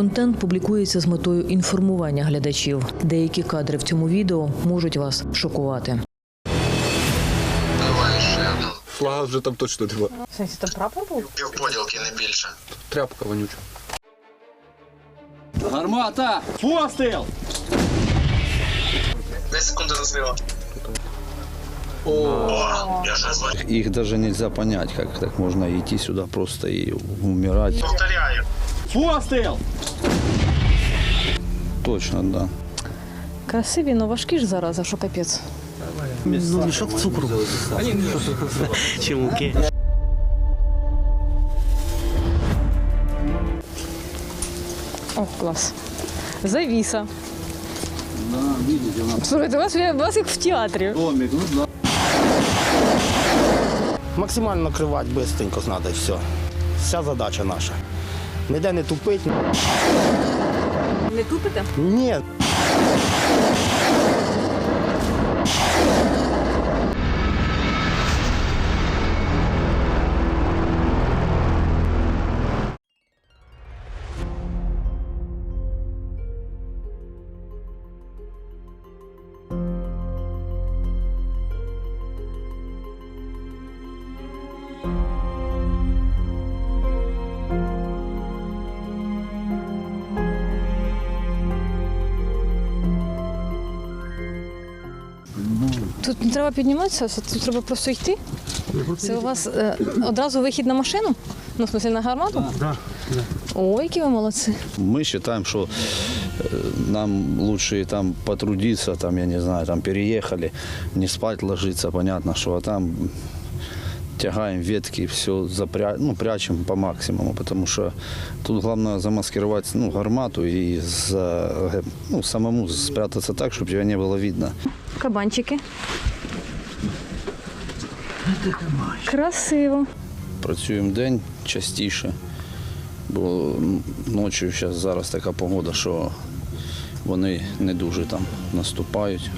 Контент публікується з метою інформування глядачів. Деякі кадри в цьому відео можуть вас шокувати. Флага вже там точно нема. В сенсі, там прапор був? Півподілки, не більше. Тряпка вонюча. Гармата! Постріл! 10 секунд до злива. О, я же звоню. Их даже нельзя понять, как так можно идти сюда просто и умирать. Повторяю. Постріл! Точно, да. Красиві, але важкі ж зараза, що капець. Мішок цукру. Чи муки? О, клас. Завіса. Да, видите, у нас Слухайте, у вас як в театрі. домик, ну да. Максимально накривати швидко треба і все. Вся задача наша. Ніде не тупить. Не тупите? Ні. Тут не треба підніматися, тут треба просто йти. Це у вас одразу вихід на машину? Ну, в смысле, на гармату? Да. Ой, які ви молодці. Мы считаем, что нам лучше там потрудиться, там, я не знаю, там переехали, не спать ложиться, понятно, что а там тягаем ветки, все прячем по максимуму, потому что тут главное замаскировать гармату и самому спрятаться так, чтобы тебя не было видно. Кабанчики. Красиво. Працюємо день частіше, бо ночі зараз така погода, що вони не дуже там наступають,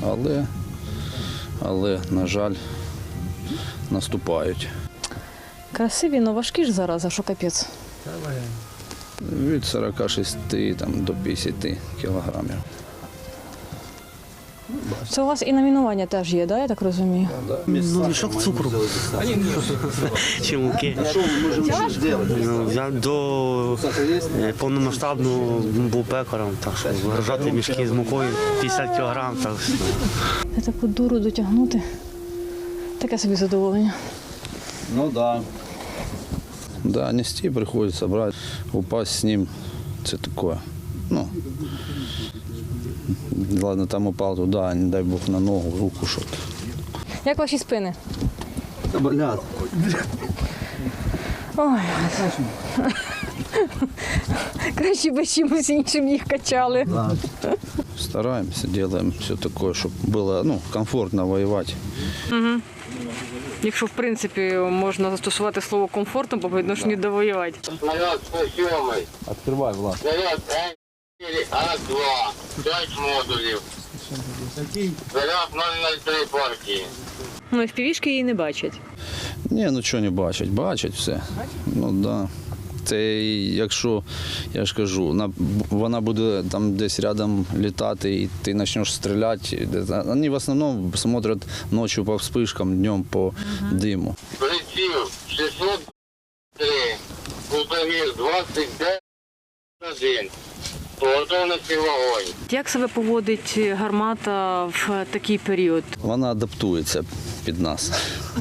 але на жаль, наступають. Красиві, але важкі ж зараза, що капець. Від 46 до 50 кілограмів. Це у вас і номінування теж є, да, я так розумію? Мішок цукру. Чи муки? Я до повномасштабного був пекарем, так що вигружати мішки з мукою 50 кг. Я таку дуру дотягнути. Таке собі задоволення. Ну да. Да, нести приходится брать, упасть с ним, это такое. Ладно, там упал туда, не дай бог на ногу, в руку что-то. Як ваші спини? Болят. Ой. Краще би чимось іншим їх качали. Да. Стараемся, делаем все такое, чтобы было комфортно воевать. Якщо, в принципі, можна застосувати слово комфортно по відношенню до воювати. Снаряд 107. Открывай, Влад. Снаряд М4 А2. 5 модулів. Заряд 003 партії. Ну, FPV-шки її не бачать. Ні, чого не бачать, бачать все. Ну да. Це якщо, я ж кажу, вона буде там десь рядом літати і ти почнеш стріляти. Вони в основному смотрять ночі по вспишкам, днем по диму. Приціл 603. Кутовір 29. По готовності вогонь. Як себе поводить гармата в такий період? Вона адаптується під нас.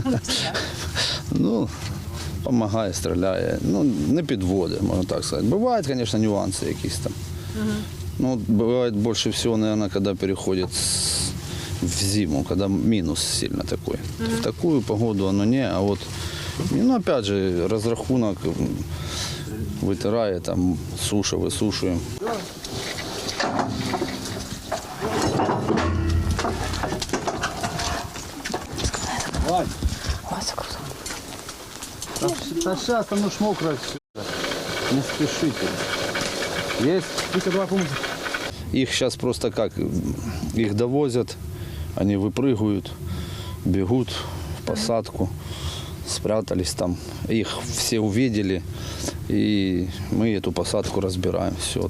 Допомагає, стріляє, не підводить, можна так сказати. Бувають, звісно, нюанси якісь там. Бывает больше всего, наверное, когда переходит в зиму, когда минус сильно такой. В такую погоду оно не, а вот, опять же, разрахунок вытирает, там, суша, высушиваем. Ой, це круто. Сейчас там уж мокро все. Не спешите. Есть? Их сейчас просто как, их довозят, они выпрыгивают, бегут в посадку, спрятались там. Их все увидели, и мы эту посадку разбираем. Все.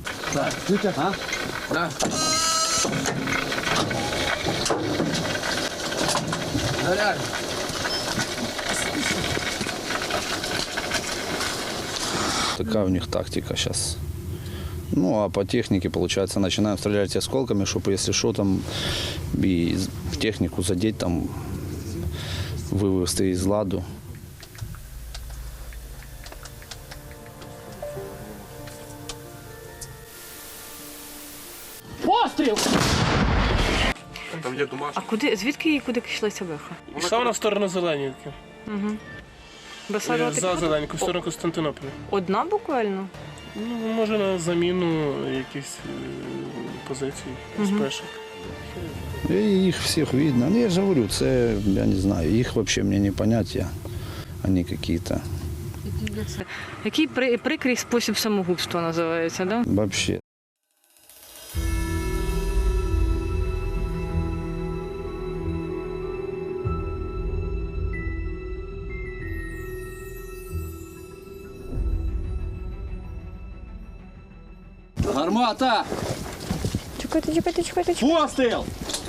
Такая у них тактика сейчас. Ну, а по технике, получается, начинаем стрелять осколками, чтобы, если что, там и в технику задеть, там, вывести из ладу. Там є домашні. А куди, звідки і куди йшла ця беха? Йшла вона в сторону Зеленівки. Бесарова За Зеленівку, в сторону Константинополя. одна буквально? Ну, може на заміну якісь позиції з пешок. И их всех видно. Ну, я же говорю, це, я не знаю, их вообще мне не понять, они какие-то Який прикрий спосіб самогубства називається, да? вообще. Гармата! Чекайте. Постріл!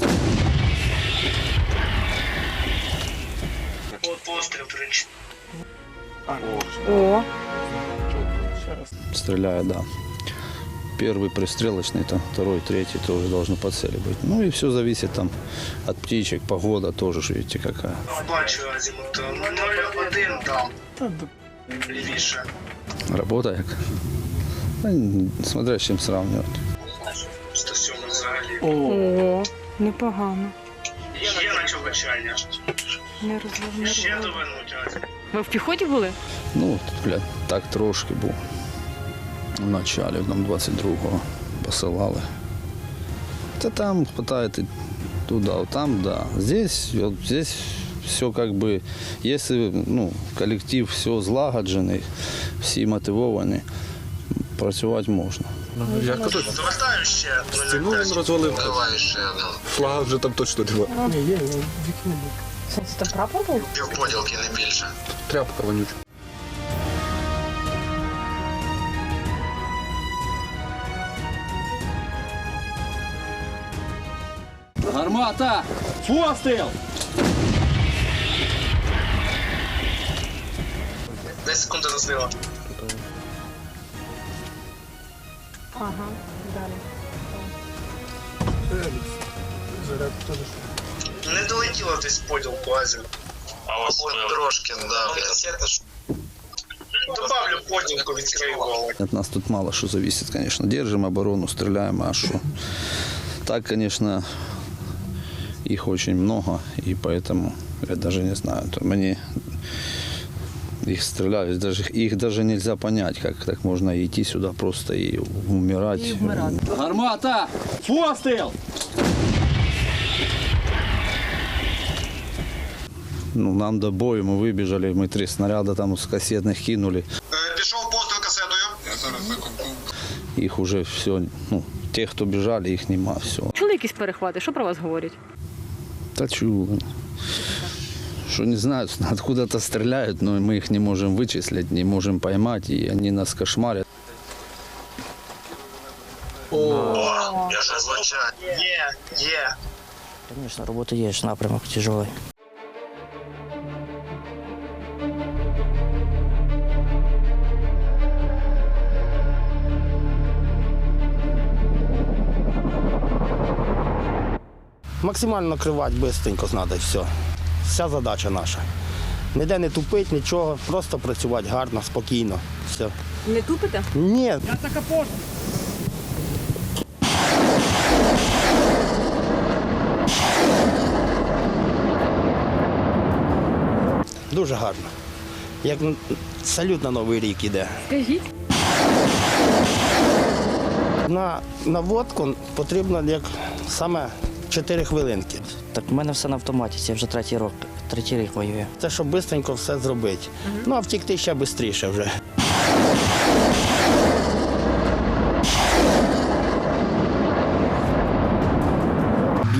О, Стреляю, да. Первый пристрелочный, там, второй, третий тоже должны по цели быть. Ну и все зависит там от птичек, погода тоже, ж видите, какая. Бачу азімут 0,1 там. Лівіше. Работа як? Та, смотря з чим сравнивать. 107 взагалі. о, непогано. Є начовачання. Не розловно. Ще довернуть азімут. Ви в піхоті були? Ну, так трошки був. В началі, нам 22-го посилали. Та там хватает и туда, там, да. Здесь все как бы, если коллектив все злагоджений, всі мотивовані, працювати можна. Я кажу, Завертаю ще. стіну він розвалив. Давай ще один. Флага вже там точно немає. Ні, є, вікні. Це прапор був? Півподілки, не більше. Тряпка вонюча. Гармата! Постріл! 10 секунд до злива. Ага, далі. Заряд теж. Не долетіло десь поділку азімут. Або трошки, да. Добавлю поділку, відкрию голову. От нас тут мало что зависит, конечно. Держим оборону, стреляем, а что? Так, конечно, их очень много, и поэтому я даже не знаю. То мне их стреляют, их даже нельзя понять, как так можно идти сюда просто и умирать. Гармата! Пострел! Ну, нам до бою, мы выбежали, мы 3 снаряда там с кассетных кинули. Пішов постріл касетою. Их уже все, те, кто бежали, их нема, все. Чули якісь перехвати? Що про вас говорять? Да чего? Что не знают, откуда-то стреляют, но мы их не можем вычислить, не можем поймать, и они нас кошмарят. Я ж звичайно. Є. Конечно, работа есть, напрямок тяжелый. Максимально накривати швидко треба, все. Вся задача наша. Ніде не тупить, нічого, просто працювати гарно, спокійно. Все. Не тупите? Ні. Дуже гарно. Як салют на Новий рік іде. Скажіть. На наводку потрібно як саме 4 хвилинки. Так в мене все на автоматі, це вже третій рік воює. Це щоб швидко все зробити. Ну а втікти ще швидше вже.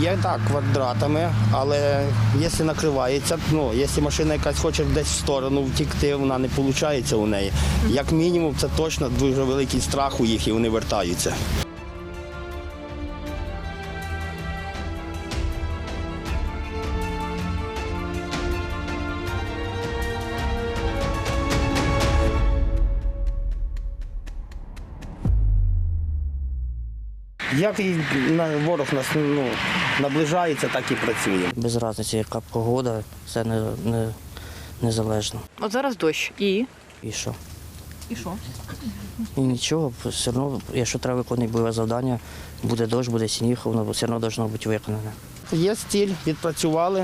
Б'є так квадратами, але якщо накривається, ну, якщо машина якась хоче десь в сторону втікти, вона не виходить у неї. Як мінімум, це точно дуже великий страх у їх і вони вертаються. Як і ворог нас наближається, так і працює. Без різниці, яка погода, це незалежно. От зараз дощ. І? І що? І що? І нічого, все одно, якщо треба виконувати бойове завдання, буде дощ, буде сніг, воно все одно має бути виконане. Є стіль, відпрацювали.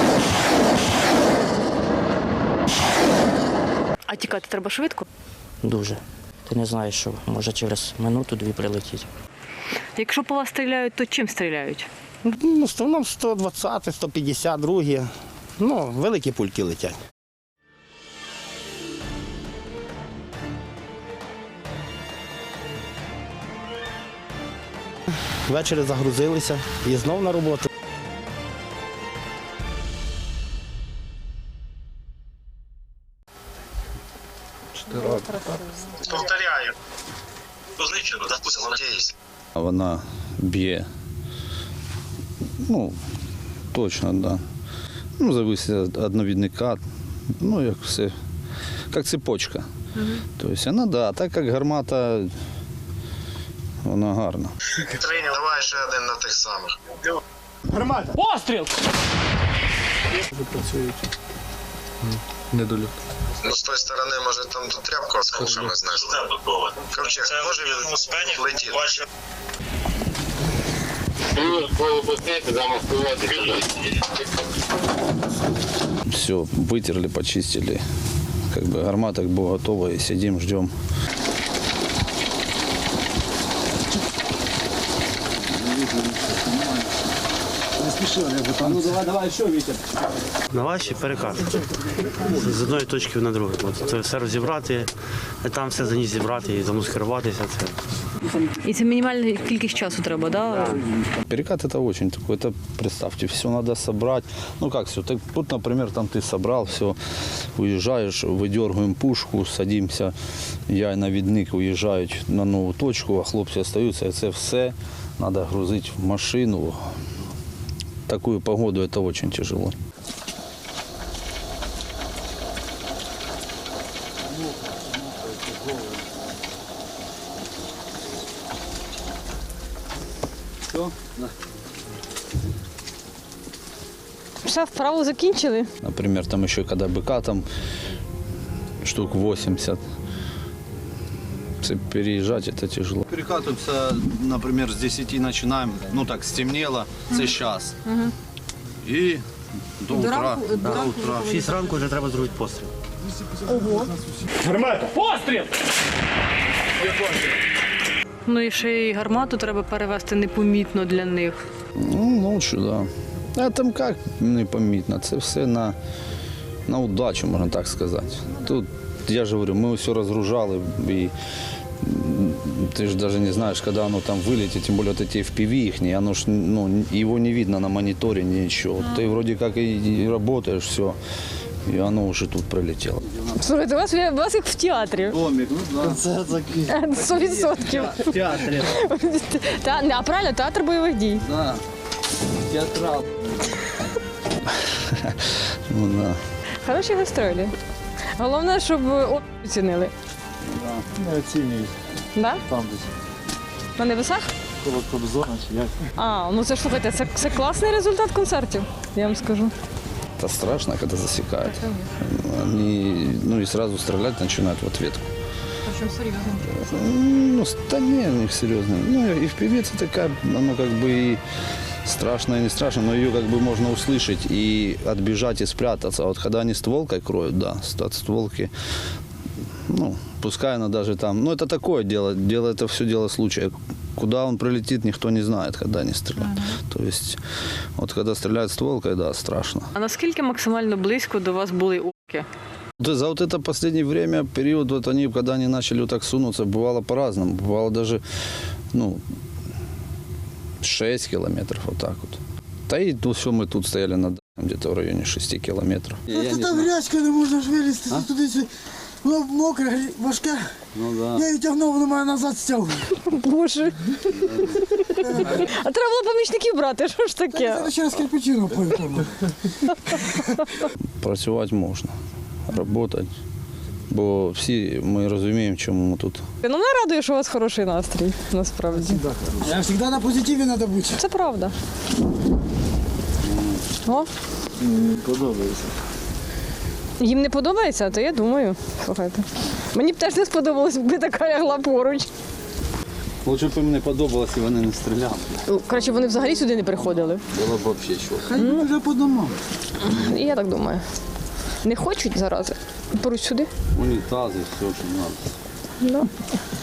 А тікати треба швидко? Дуже. Ти не знаєш, що може через минуту-дві прилетіти. Якщо по вас стріляють, то чим стріляють? В основному 120, 152, великі пульки летять. Ввечері загрузилися і знов на роботу. Повторяю. Знищено, допустимо, надіюсь. Вона б'є. Точно, да. Зависить від навідника. Як все, як цепочка. Тобто вона, да, так як гармата, вона гарна. Тренер, давай ще один на тих самих. Гармата! Постріл! Недоліт. З тої сторони, може, там тут тряпку з кушами знесли. Ковчег, може він летіти? Плюс боєпосити, замаскувати. Все, вытерли, почистили. Гармата була готова і сидимо, ждемо. На ваші перекати. З одної точки на другу. Це все розібрати, там все за ніч зібрати і замаскируватися. І це мінімальна кількість часу треба, да? Перекат это очень такой, это представьте, все надо собрать. Как все, тут, например, там ты собрал, все, уезжаешь, выдергиваем пушку, садимся, я и навідник уезжают на нову точку, а хлопці остаются, и це все надо грузить в машину. В такую погоду это очень тяжело. Все, вправу закінчили. Например, там еще когда быка там штук 80, переезжать это тяжело. Перекатываемся, например, с 10 начинаем, стемнело, це час. І до утра. В 6 ранку вже треба зробити постріл. Гармата! Постріл! І ще й гармату треба перевести непомітно для них. Лучше, да. А там як непомітно, це все на удачу, можна так сказати. Тут, я ж говорю, ми все розгружали, і ти ж навіть не знаєш, коли воно там вилетить, тим більше ці FPV їхні, воно ж, його не видно на моніторі, нічого. Ти вроді як і працюєш, все, і воно вже тут прилетіло. Слухайте, у вас як в театрі. Домик, концерт закинув. 100%. В театрі. А правильно, театр бойових дій. Да. Театрал. Да. Хороші гастролі. Головне, щоб оцінили. Не оцінюють. Да? Там десь. На небесах? Коло Кобзона чи як. Це ж, слухайте, це класний результат концертів, я вам скажу. Это страшно, когда засекают. Они, и сразу стрелять начинают в ответку. Причем серьезно. Да не, у них серьезно. И в певице такая, оно и страшно, и не страшно, но ее можно услышать и отбежать и спрятаться. А вот когда они стволкой кроют, да, от стволки, пускай она даже там, это такое дело, это все дело случая. Куда он прилетит, никто не знает, когда они стреляют. То есть, когда стреляют стволкой, да, страшно. А наскільки максимально близько до вас були орки? За это последнее время, период, когда они начали так сунуться, бывало по-разному. Бывало даже, 6 километров, вот так вот. Да и то все мы тут стояли на где-то в районе 6 километров. Це там грязька, не можна ж вилізти туди. Воно мокре, важке. Ну да. Я її тягнув, воно мене назад стягує. Боже. А треба було помічників брати, що ж таке? Зараз ще раз кирпичину поїхав. Працювати можна, працювати. Бо всі ми розуміємо, чому ми тут. Ну, мене радує, що у вас хороший настрій, насправді. Я завжди на позитиві треба бути. Це правда. О, Мені подобається. їм не подобається, то я думаю. Слухайте. Мені б теж не сподобалось, якби така лягла поруч. Лучше б їм не подобалося, і вони не стріляли. Коротше, вони взагалі сюди не приходили. Було б взагалі чого. Хай вже по домам. І я так думаю. Не хочуть зарази. Поруч сюди. Унітази, все, що треба. Да.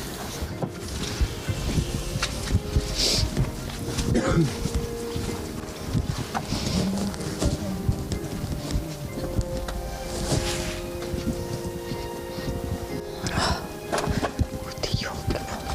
Ух ти, ёлки-палки.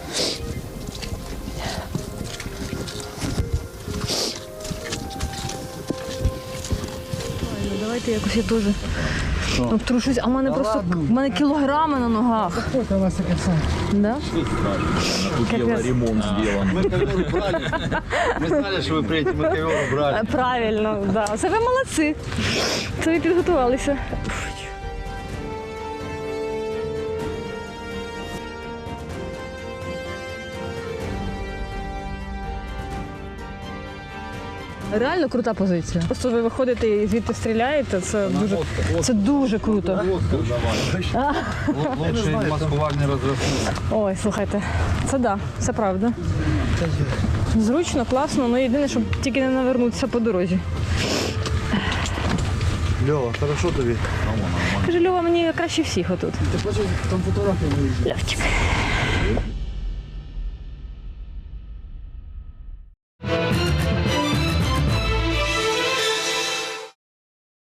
Давайте якось я теж обтрушусь, а в мене просто кілограми на ногах. Скільки у вас таке все? Да? Ремонт зроблений. Ми ковер брали. Ми знали, що ви приїдете, ми ковер брали. Правильно, да. Це ви молодці. Це ви підготувалися. Реально крута позиція. Просто ви виходите і звідти стріляєте, це дуже круто. Лучший маскувальний розрахунок. Ой, слухайте, це да, це правда. Зручно, класно, але єдине, щоб тільки не навернутися по дорозі. Льова, хорошо тобі? Каже, Льова, мені краще всіх отут. Ти хочеш там фотографії? Льовчик.